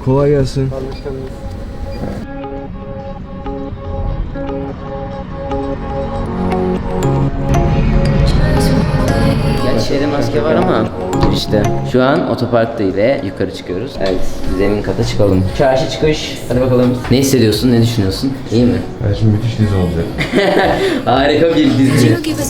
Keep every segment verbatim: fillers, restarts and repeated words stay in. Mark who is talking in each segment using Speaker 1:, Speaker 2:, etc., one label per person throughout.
Speaker 1: Kolay gelsin.
Speaker 2: Gerçi şeyde maske var ama girişte. Şu an otoparkta ile yukarı çıkıyoruz. Evet, zemin kata çıkalım. Çarşı çıkış. Hadi bakalım. Ne hissediyorsun, ne düşünüyorsun? İyi mi?
Speaker 1: Evet, şimdi müthiş dizi olacak.
Speaker 2: Harika bir dizi.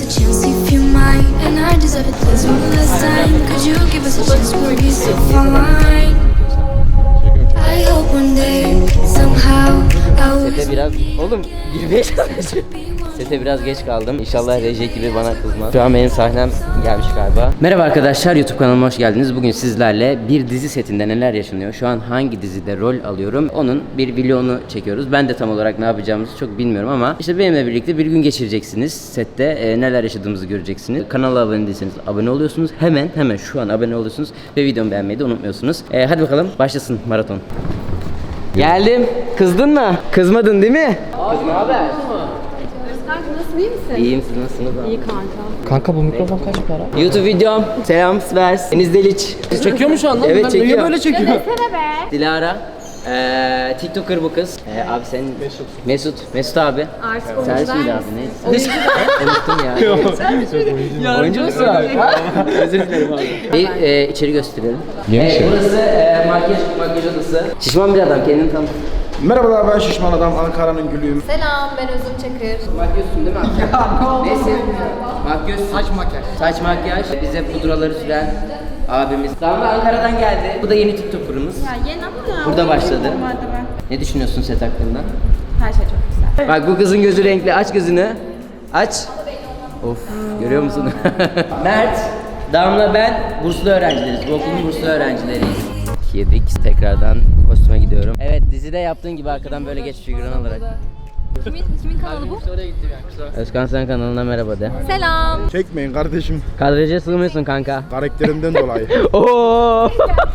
Speaker 2: Sete biraz... Oğlum girmeye çalışıyorum. Sete biraz geç kaldım. İnşallah Recep gibi bana kızmaz. Şu an benim sahnem gelmiş galiba. Merhaba arkadaşlar, YouTube kanalıma hoş geldiniz. Bugün sizlerle bir dizi setinde neler yaşanıyor, şu an hangi dizide rol alıyorum, onun bir vlogunu çekiyoruz. Ben de tam olarak ne yapacağımızı çok bilmiyorum ama işte benimle birlikte bir gün geçireceksiniz. Sette e, neler yaşadığımızı göreceksiniz. Kanala abone değilseniz abone oluyorsunuz. Hemen hemen şu an abone oluyorsunuz ve videomu beğenmeyi de unutmuyorsunuz. E, hadi bakalım başlasın maraton. Geldim. Kızdın mı? Kızmadın değil mi? Kız ne haber?
Speaker 3: Kanka nasıl, iyi misin?
Speaker 2: İyiyim, siz nasılsınız?
Speaker 3: İyi kanka.
Speaker 4: Kanka bu mikrofon kaç para?
Speaker 2: YouTube videom. Selam Svers. Deniz Deliç.
Speaker 4: Çekiyor mu şu anda?
Speaker 2: Evet,
Speaker 4: Ben
Speaker 2: çekiyor.
Speaker 4: Niye böyle çekiyor?
Speaker 3: Desene be.
Speaker 2: Dilara. Ee, TikToker bu kız. Ee, abi sen Mesut. Mesut. Mesut abi.
Speaker 3: Artık
Speaker 2: Servis miydi
Speaker 3: oyuncular
Speaker 2: abi? Neyse. Unuttum ya. Oyuncu musun abi? Özür dilerim abi. Bir e, içeri gösterelim. Evet, burası e, makyaj, makyaj odası. Şişman bir adam, kendini tanıt.
Speaker 5: Merhabalar, ben Şişman Adam, Ankara'nın gülüyüm.
Speaker 3: Selam, ben Özüm Çakır.
Speaker 2: Makyözsün değil mi abi? Ya ne oldu? Neyse. Makyöz. Saç makyaj. Saç makyaj. Bize pudraları süren abimiz. Damla Ankara'dan geldi. Bu da yeni TikToker'ımız.
Speaker 3: Ya yeni ama ya.
Speaker 2: Burada başladı.
Speaker 3: Normalde ben.
Speaker 2: Ne düşünüyorsun set hakkında?
Speaker 3: Her şey çok güzel.
Speaker 2: Bak bu kızın gözü renkli. Aç gözünü. Aç. Of, görüyor musun? Mert, Damla, ben burslu öğrencileriz. Bu okulun burslu öğrencileriyiz. Yedik. Tekrardan kostüme gidiyorum. Evet, dizide yaptığın gibi arkadan böyle geç figüran alarak.
Speaker 3: Kimin, kimin kanalı bu?
Speaker 2: Özkan Sen kanalına merhaba de.
Speaker 3: Selam.
Speaker 5: Çekmeyin kardeşim,
Speaker 2: Kadraja sığmıyorsun kanka.
Speaker 5: karakterimden dolayı.
Speaker 2: Oo.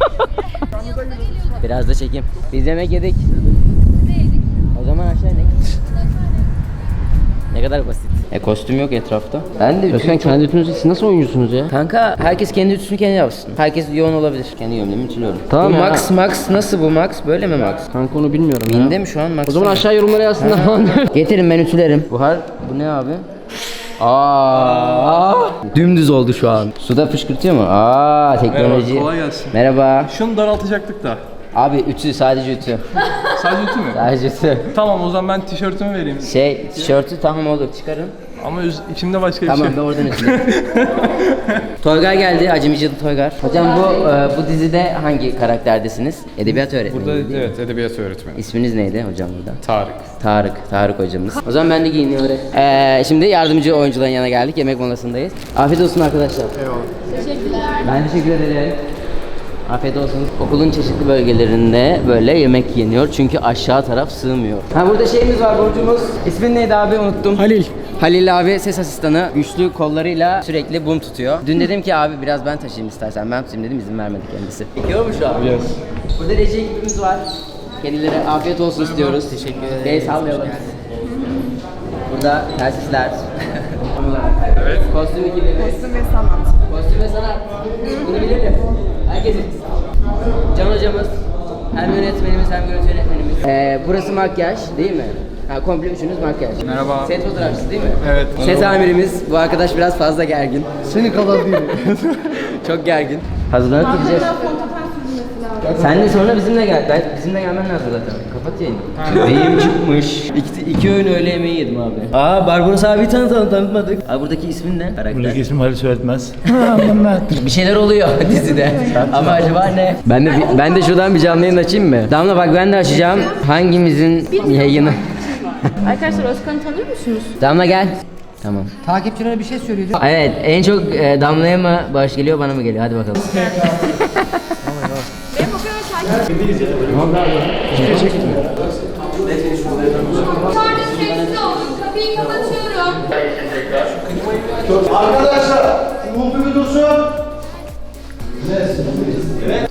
Speaker 2: Biraz da çekeyim. Biz yemek yedik. O zaman aşağı inek. Ne kadar basit. E kostüm yok etrafta. Ben de
Speaker 4: Özkan kendi ütünüzü siz nasıl oyuncusunuz ya?
Speaker 2: Kanka herkes kendi ütüsünü kendi yapsın. Herkes yoğun olabilir. Kendi gömleğimi ütülüyorum.
Speaker 4: Tamam
Speaker 2: bu
Speaker 4: ya.
Speaker 2: Max Max nasıl bu Max? Böyle mi Max?
Speaker 4: Kanka onu bilmiyorum ya.
Speaker 2: Binde mi şu an Max?
Speaker 4: O zaman aşağı yorumlara yazsınlar.
Speaker 2: Getirin ben ütülerim. Buhar bu ne abi? Aa, dümdüz oldu şu an. Suda fışkırtıyor mu? Aa, teknoloji.
Speaker 6: Merhaba, kolay gelsin.
Speaker 2: Merhaba.
Speaker 6: Şunu daraltacaktık da.
Speaker 2: Abi ütü, sadece ütü.
Speaker 6: Sadece ütü mü?
Speaker 2: Sadece ütü.
Speaker 6: Tamam, o zaman ben tişörtümü vereyim.
Speaker 2: Şey, tişörtü tamam olur, çıkarın.
Speaker 6: Ama üz- içimde başka bir
Speaker 2: Tamam,
Speaker 6: şey.
Speaker 2: ben oradan ütüleyim. Toygar geldi, Acemici'de Toygar. Hocam bu e, bu dizide hangi karakterdesiniz? Edebiyat öğretmeni.
Speaker 7: Burada
Speaker 2: değil mi?
Speaker 7: evet edebiyat öğretmeni.
Speaker 2: İsminiz neydi hocam burada?
Speaker 7: Tarık.
Speaker 2: Tarık, Tarık hocamız. O zaman ben de giyiniyorum. Ee, şimdi yardımcı oyuncuların yanına geldik. Yemek molasındayız. Afiyet olsun arkadaşlar. Eyvallah. Teşekkürler. Ben teşekkür ederim. Afiyet olsun. Okulun çeşitli bölgelerinde böyle yemek yeniyor çünkü aşağı taraf sığmıyor. Ha burada şeyimiz var, borcumuz. İsmin neydi abi, unuttum.
Speaker 4: Halil.
Speaker 2: Halil abi ses asistanı, güçlü kollarıyla sürekli bum tutuyor. Dün dedim ki abi biraz ben taşıyayım istersen, ben tutayım dedim, izin vermedi kendisi. Çekiyor mu şu an?
Speaker 7: Yes.
Speaker 2: Burada reji ekibimiz var. Kendileri afiyet olsun istiyoruz. Teşekkür ederiz. El sallayalım. Burada tersizler. Evet. Kostüm ekibi. Kostüm ve sanat. Kostüm ve sanat. Bunu bilelim. Herkes bilsin. Can hocamız, hem yönetmenimiz hem görüntü yönetmenimiz. Ee, burası makyaj değil mi? Ha, komple üçünüz makyaj.
Speaker 7: Merhaba.
Speaker 2: Set fotoğrafçısı değil mi?
Speaker 7: Evet.
Speaker 2: Set amirimiz. Bu arkadaş biraz fazla gergin.
Speaker 5: Seni kadar değil.
Speaker 2: Çok gergin. Hazırlanıp gideceğiz. Sen de sonra bizimle gel. Ben, bizimle gelmen lazım zaten. Kapat yayını. Beyim çıkmış. İki, iki öğün öğle yemeği yedim abi. Aa, Barbaros abi tanıtalım, tanıtmadık. Abi buradaki ismin ne? Karakter.
Speaker 8: Buradaki ismim Halil Söyletmez.
Speaker 2: Bir şeyler oluyor dizide. Ama acaba ne? Ben de ben de şuradan bir canlı yayın açayım mı? Damla bak, ben de açacağım. Hangimizin yayını?
Speaker 3: Arkadaşlar Özkan'ı tanıyor musunuz?
Speaker 2: Damla gel. Tamam.
Speaker 4: Takipçilere bir şey söylüyordu.
Speaker 2: Evet, en çok e, Damla'ya mı bağış geliyor, bana mı geliyor? Hadi bakalım.
Speaker 3: Benim o kadar takip.
Speaker 9: Yukarıda sessiz olun. Kapıyı kapatıyorum.
Speaker 5: Arkadaşlar, umultu bir dursun. Evet.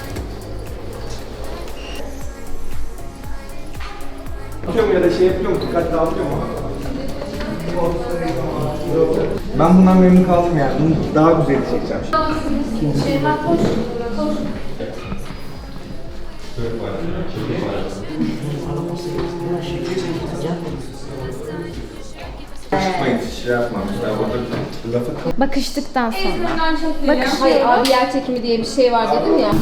Speaker 5: Yapıyorum ya da şey yapıyorum, dikkat dağıtıyorum ama. Ben bundan memnun kaldım yani. Bunu daha güzel çekeceğim.
Speaker 9: Şeyma koş. Koş.
Speaker 5: Şey yapmamışlar. Burada lafı
Speaker 3: Bakıştıktan sonra.
Speaker 9: Bakışıyorum. Hayır abi yer çekimi diye bir şey var dedim ya.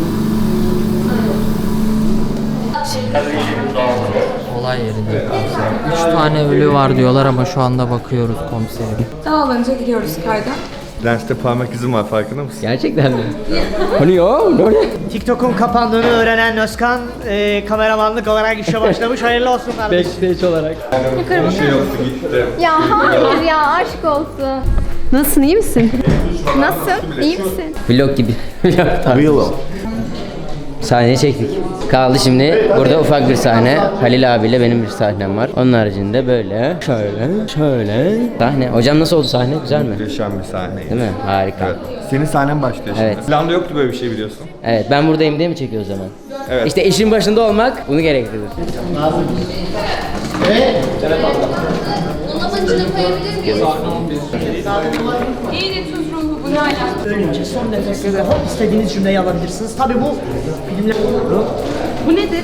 Speaker 1: Olay yerinde komiserim. Üç tane ölü var diyorlar ama şu anda bakıyoruz komiserim.
Speaker 9: Dağılınca gidiyoruz kayda.
Speaker 5: lenste parmak izim var, farkında mısın?
Speaker 2: Gerçekten mi? Hani ya?
Speaker 7: TikTok'un kapandığını öğrenen Özkan e, kameramanlık olarak işe başlamış. Hayırlı olsun kardeşim.
Speaker 5: Bir şey yoktu, gitti.
Speaker 3: Ya hayır ya aşk olsun. Nasılsın iyi misin? Nasıl? İyi misin?
Speaker 2: Vlog gibi. Vlog Sahneyi çektik. Kaldı şimdi burada ufak bir sahne. Halil abiyle benim bir sahnem var. Onun haricinde böyle, şöyle, şöyle. Sahne. Hocam nasıl oldu sahne? Güzel mi?
Speaker 5: Muhteşem bir sahne.
Speaker 2: Değil mi? Harika.
Speaker 5: Evet. Senin sahnen başlıyor şimdi.
Speaker 2: Evet.
Speaker 5: Planda yoktu böyle bir şey, biliyorsun.
Speaker 2: Evet, ben buradayım diye mi çekiyor o zaman?
Speaker 5: Evet.
Speaker 2: İşte işin başında olmak bunu gerektirir.
Speaker 9: Onun içine koyabilir miyiz? İyi de tuz ruhu bu ne alaka?
Speaker 7: Son nefes ve hop istediğiniz cümleyi alabilirsiniz. Tabii bu filmler...
Speaker 3: Bu nedir?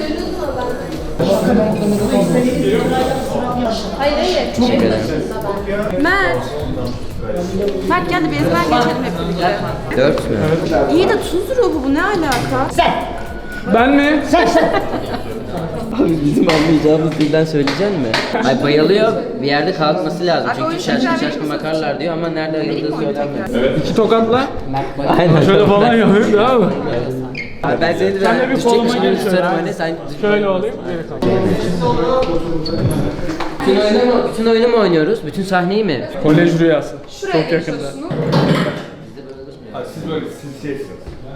Speaker 3: Hayır hayır.
Speaker 2: Teşekkür ederim.
Speaker 3: Mert. Mert gel de bir ezber geçelim hep birlikte.
Speaker 2: Dört mü?
Speaker 3: İyi de tuz ruhu bu ne alaka?
Speaker 6: Ben mi?
Speaker 2: Abi bizim anlayacağımız dilden söyleyecek mi? Ay bayılıyor. Bir yerde kalkması lazım.
Speaker 3: Abi o
Speaker 2: Çünkü
Speaker 3: yüzden
Speaker 2: şaşkın
Speaker 3: ben-
Speaker 2: şaşkın bakarlar diyor ama nerede ayıldığı söylemiyor.
Speaker 6: İki tokatla.
Speaker 2: Aynen.
Speaker 6: Şöyle falan yapayım da abi.
Speaker 2: Abi ben seni de
Speaker 6: Sen de bir
Speaker 2: düşecekmiş
Speaker 6: koluma
Speaker 2: gibi
Speaker 6: gel şöyle.
Speaker 2: tutarım hani sen...
Speaker 6: Şöyle olayım. Geri kalk.
Speaker 2: Bütün oyunu mu, bütün oyunu mu oynuyoruz? Bütün sahneyi mi?
Speaker 6: Kolej rüyası. Çok yakında.
Speaker 5: Siz böyle, siz şeysiniz.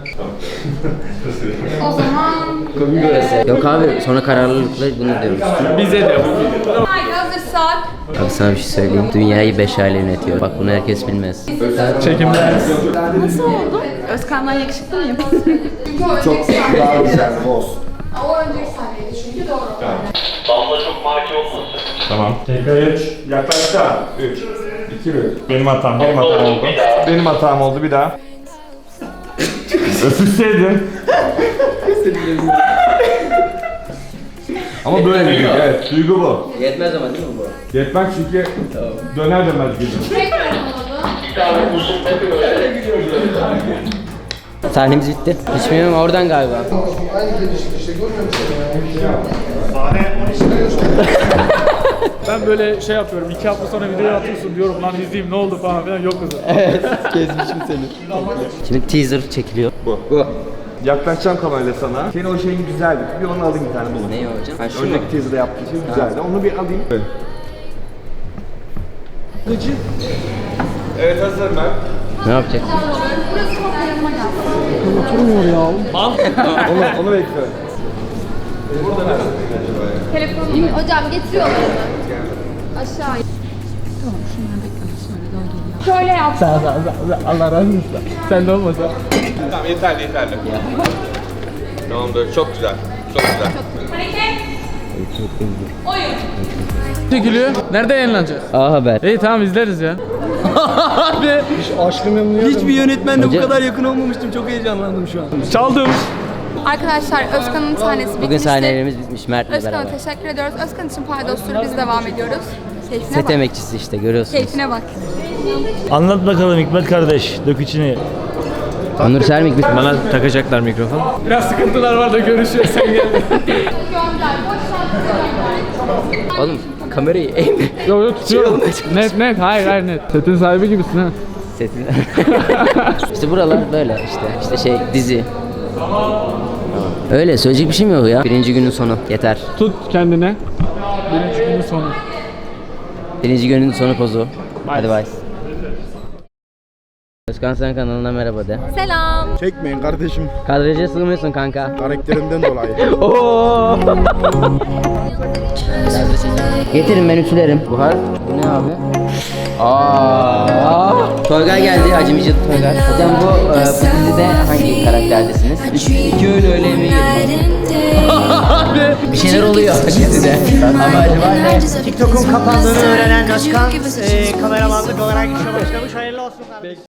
Speaker 9: O zaman
Speaker 2: Komik orası. Yok abi sonra kararlılıkla bunu diyoruz.
Speaker 6: Bize de.
Speaker 9: haydi hazırsak.
Speaker 2: Abi sana bir şey söyleyeyim. Dünyayı beş aile yönetiyor. Bak bunu herkes bilmez.
Speaker 6: Çekimler.
Speaker 3: Nasıl oldu? Özkan'dan yakışıklı mıyım?
Speaker 9: Çünkü o önceki sahne.
Speaker 5: Daha güzel, olsun.
Speaker 9: O önceki sahneydi çünkü doğru.
Speaker 8: Tamam. Tekrar üç. Yaklaştı. üç. iki bir. Benim hatam, benim hatam oldu.
Speaker 5: Benim hatam oldu, bir daha.
Speaker 8: Öpüşseydin.
Speaker 5: Ama böyle bir duygu, evet. Duygu bu.
Speaker 2: Yetmez ama değil mi bu?
Speaker 8: Yetmez çünkü döner dönmez gidiyor.
Speaker 9: Tekrar alalım.
Speaker 2: Sahnemiz bitti. Hiç bilmiyorum oradan galiba.
Speaker 10: Ben böyle şey yapıyorum, iki hafta sonra video atıyorsun diyorum lan izleyeyim ne oldu falan filan yok kızım.
Speaker 2: Gezmişim seni. Şimdi teaser çekiliyor.
Speaker 5: Bu. Bu. Yaklaşacağım kamerayla sana. Senin o şeyin güzeldi. Bir onu alayım bir tane bunu.
Speaker 2: Ne o hocam? Ha, şu mu?
Speaker 5: Önceki teaser'da yaptığın şey güzeldi. Onu bir alayım. Evet. Evet, hazırım ben.
Speaker 2: Ne yapacak?
Speaker 5: Onu, onu bekliyorum.
Speaker 9: Hocam getiriyorlar mı? Aşağı. Şöyle yap.
Speaker 6: Allah razı olsun. Sen de olmasa.
Speaker 5: Tamam, yeterli yeterli. Tamamdır, çok güzel. Çok güzel.
Speaker 9: Hareket. Oyun.
Speaker 10: Çekiliyor. Nerede yayınlanacak?
Speaker 2: A Haber.
Speaker 10: İyi tamam izleriz ya. Abi
Speaker 4: Hiçbir yönetmenle
Speaker 2: Hocam-
Speaker 4: bu kadar yakın olmamıştım. Çok heyecanlandım şu an.
Speaker 10: çaldım.
Speaker 9: Arkadaşlar Özkan'ın sahnesi
Speaker 2: Bugün
Speaker 9: bitmişti.
Speaker 2: sahnelerimiz bitmiş Mert'le
Speaker 9: Özkan'a
Speaker 2: beraber.
Speaker 9: teşekkür ediyoruz. Özkan için paydosları biz devam ediyoruz. Keyfine
Speaker 2: Set
Speaker 9: bak.
Speaker 2: emekçisi işte görüyorsunuz.
Speaker 9: Keyfine bak.
Speaker 8: Anlat bakalım Hikmet kardeş, dök içini.
Speaker 2: Onur Sermik bir...
Speaker 4: Bana takacaklar mikrofon.
Speaker 10: Biraz sıkıntılar var da görüşüyoruz sen gel.
Speaker 9: Gönder. Boş
Speaker 2: Oğlum kamerayı eğme.
Speaker 10: Yok yok tutuyorum. Net net hayır hayır net. Setin sahibi gibisin ha.
Speaker 2: Setin. İşte buralar böyle işte. İşte şey dizi. Öyle söyleyecek bir şey mi yok ya? Birinci günün sonu yeter.
Speaker 10: Tut kendine. Birinci günün sonu.
Speaker 2: Birinci günün sonu pozu. Hadi bay. Özkan Sen kanalına merhaba de.
Speaker 3: Selam.
Speaker 5: Çekmeyin kardeşim.
Speaker 2: Kadraja sığmıyorsun kanka.
Speaker 5: Karakterimden dolayı.
Speaker 2: Oo. Getirin ben ütülerim. Buhar. Bu ne abi? Aa. Toygar geldi. Hacı Micit Toygar. Hocam bu, e, bu dizide hangi karakterdesiniz? İki öyle öyle yemeği yedim. Bir şeyler oluyor dizide. Ama acaba ne?
Speaker 7: TikTok'un kapandığını öğrenen Özkan e, kameramanlık olarak işe başlamış. Hayırlı olsun kardeşim.